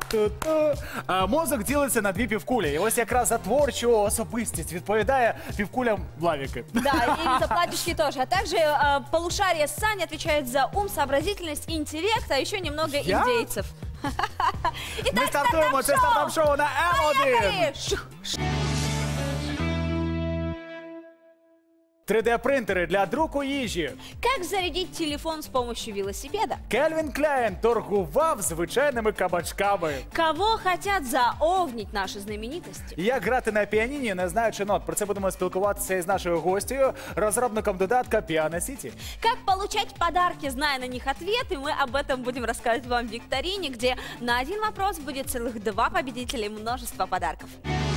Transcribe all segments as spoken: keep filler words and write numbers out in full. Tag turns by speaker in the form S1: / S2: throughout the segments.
S1: Ту-ту. А, мозок ділиться на дві півкулі. І ось якраз за творчу особистість відповідає півкулям Лавіки.
S2: Да, и за платьишки тоже. А также э, полушарие Сани отвечает за ум, сообразительность, интеллект, а еще немного
S1: Я?
S2: индейцев.
S1: Ми стартуємо це стартап-шоу на М один.
S2: Поехали! Шух.
S1: три де принтери для друку їжі.
S2: Как зарядить телефон с помощью велосипеда?
S1: Кельвін Кляйн торгував звичайними кабачками.
S2: Кого хотят заовнить наши знаменитости?
S1: Як грати на піаніні, не знаючи нот. Про це будемо спілкуватися із нашою гостею, розробником додатка Piano City.
S2: Как получать подарки, зная на них ответы? Мы об этом будем рассказывать вам в викторине, где на один вопрос будет целых два победителя и множество подарков.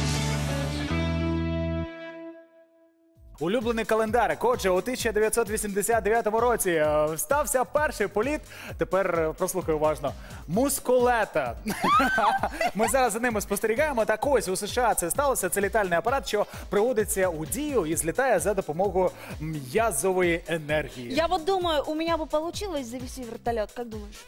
S1: Улюблений календарик. Отже, у тисяча дев'ятсот вісімдесят дев'ятому році е, стався перший політ. Тепер е, прослухай уважно. Мускулета. Ми зараз за ними спостерігаємо. Так ось у США це сталося. Це літальний апарат, що приводиться у дію і злітає за допомогою м'язової енергії.
S2: Я вот думаю, у меня бы получилось завести вертолет, как думаешь?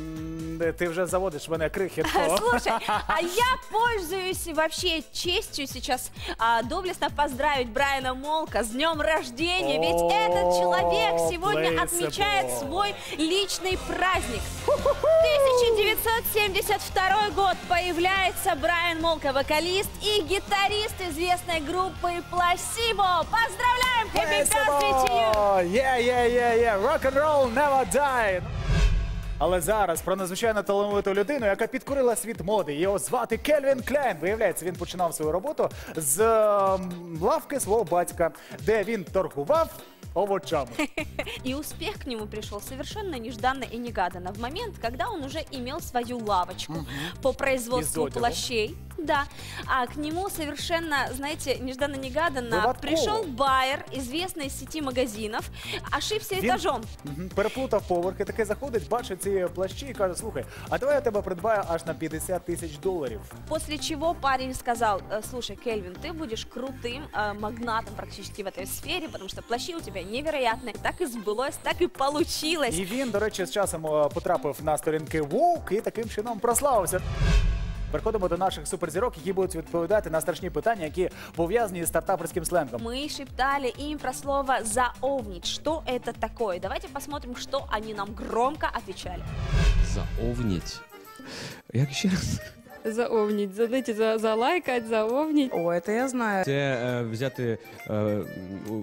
S1: М, Ти вже заводиш мене крихітко.
S2: Слушай, а я пользуюсь вообще честью сейчас а, доблестно поздравить Брайана Молка с днем рождения, ведь
S1: О,
S2: этот человек сегодня
S1: Placeable.
S2: отмечает свой личный праздник. тысяча девятьсот семьдесят второй год, появляется Брайан Молка, вокалист и гитарист известной группы Placebo. Поздравляем! Happy birthday to you!
S1: Yeah, yeah, yeah, yeah. Rock and roll never die. Але зараз про надзвичайно талановиту людину, яка підкорила світ моди. Його звати Кельвін Кляйн. Виявляється, він починав свою роботу з ем, лавки свого батька, де він торгував овочами.
S2: И успех к нему пришел совершенно нежданно и негаданно. В момент, когда он уже имел свою лавочку угу. по производству
S1: Из одежды.
S2: плащей. Да. А к нему совершенно, знаете, нежданно-негаданно
S1: Выводково.
S2: пришел байер известной сети магазинов, ошибся
S1: Він
S2: этажом.
S1: мгм, переплутав поверхи, таки заходить, бачить ці плащі і каже, слухай, а давай я тебе придбаю аж на п'ятдесят тисяч доларів.
S2: После чего парень сказал: слушай, Кельвин, ты будешь крутым э, магнатом практически в этой сфере, потому что плащи у тебя невероятные. Так и сбылось, так и получилось.
S1: І він, до речі, з часом е, потрапив на сторінки Vogue і таким чином прославився. Переходимо до наших суперзірок, які будуть відповідати на страшні питання, які пов'язані з стартаперським сленгом.
S2: Мы шептали им про слово «заовнить». Что это такое? Давайте посмотрим, что они нам громко отвечали.
S3: Заовнить. Як ще раз?
S4: Заовнить, знаете, за, залайкать, заовнить.
S5: О, это я знаю.
S3: Це е, взяти. Е, у-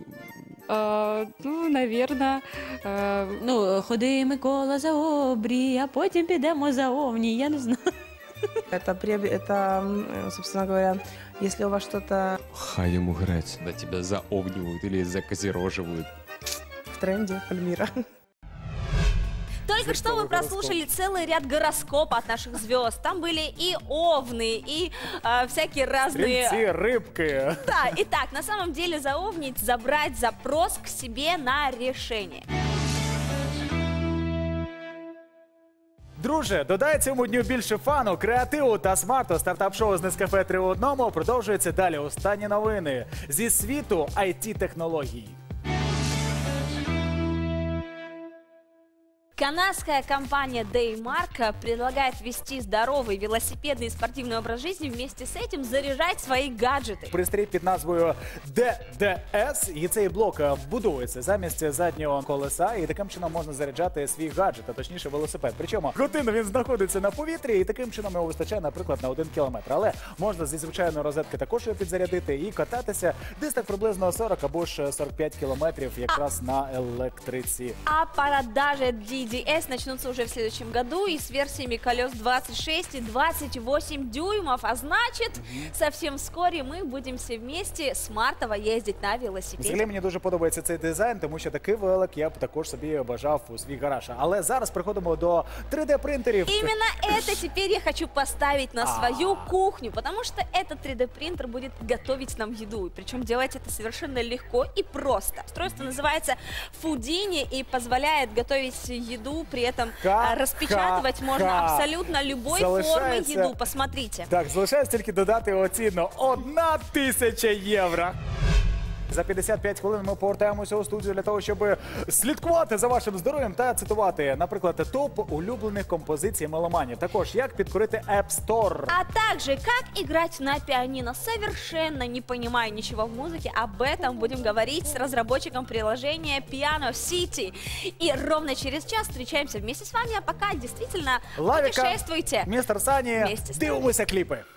S4: А, ну, наверное. А,
S6: Ну, ходи, Микола, за обрій, а потім підемо за овні, я не знаю.
S5: Это, приоб- это, м, собственно говоря, если у вас что-то
S3: Хай йому грець. Да тебя заовнивают или закозероживают.
S5: в тренде, Пальмира.
S2: Только что вы прослушали целый ряд гороскопов от наших звезд. Там были и овны, и э, всякие разные...
S1: Стрільці, рибки.
S2: Да, итак, на самом деле заовнить, забрать запрос к себе на решение.
S1: Друже, додай цьому дню більше фану, креативу та смарту. Стартап-шоу з Нескафе три в одному продовжується далі. Останні новини зі світу ай ті-технологій.
S2: Канадская компания Daymark предлагает вести здоровый велосипедный и спортивный образ жизни, вместе с этим заряжать свои гаджеты.
S1: Пристрій під назвою ді ді ес, і цей блок е, будується замість заднього колеса, і таким чином можна заряджати свій гаджет, а точніше велосипед. Причому годину він знаходиться на повітрі, і таким чином його вистачає, наприклад, на один кілометр. Але можна зі звичайної розетки також його підзарядити і кататися десь так приблизно сорок або ж сорок п'ять кілометрів якраз на електриці.
S2: А продажи ди ди эс начнутся уже в следующем году и с версиями колес двадцать шесть и двадцать восемь дюймов. А значит, совсем вскоре мы будем все вместе смартово ездить на велосипеде.
S1: Взагалі мені дуже подобається цей дизайн, тому що такий велик я б також собі бажав у свій гараж. Але зараз приходимо до три де принтерів.
S2: Именно это теперь я хочу поставить на свою кухню, потому что этот три дэ принтер будет готовить нам еду. Причем делать это совершенно легко и просто. Устройство называется Foodini и позволяет готовить еду, при этом
S1: Ха,
S2: а, распечатывать
S1: ха,
S2: можно
S1: ха.
S2: абсолютно любой
S1: Залишається-
S2: формы еду. Посмотрите.
S1: Так, залишається тільки додати його ціну. Одна тисяча євро. За п'ятдесят п'ять хвилин ми повертаємося у студію для того, щоб слідкувати за вашим здоров'ям та цитувати, наприклад, топ улюблених композицій меломанів. Також, як підкорити App Store.
S2: А также, как играть на пианино, совершенно не понимая ничего в музыке. Об этом будем говорить с разработчиком приложения Piano City. И ровно через час встречаемся вместе с вами. А пока действительно
S1: Лавіка,
S2: путешествуйте.
S1: містер Сані,
S2: Вместе з нами.
S1: дивимося кліпи.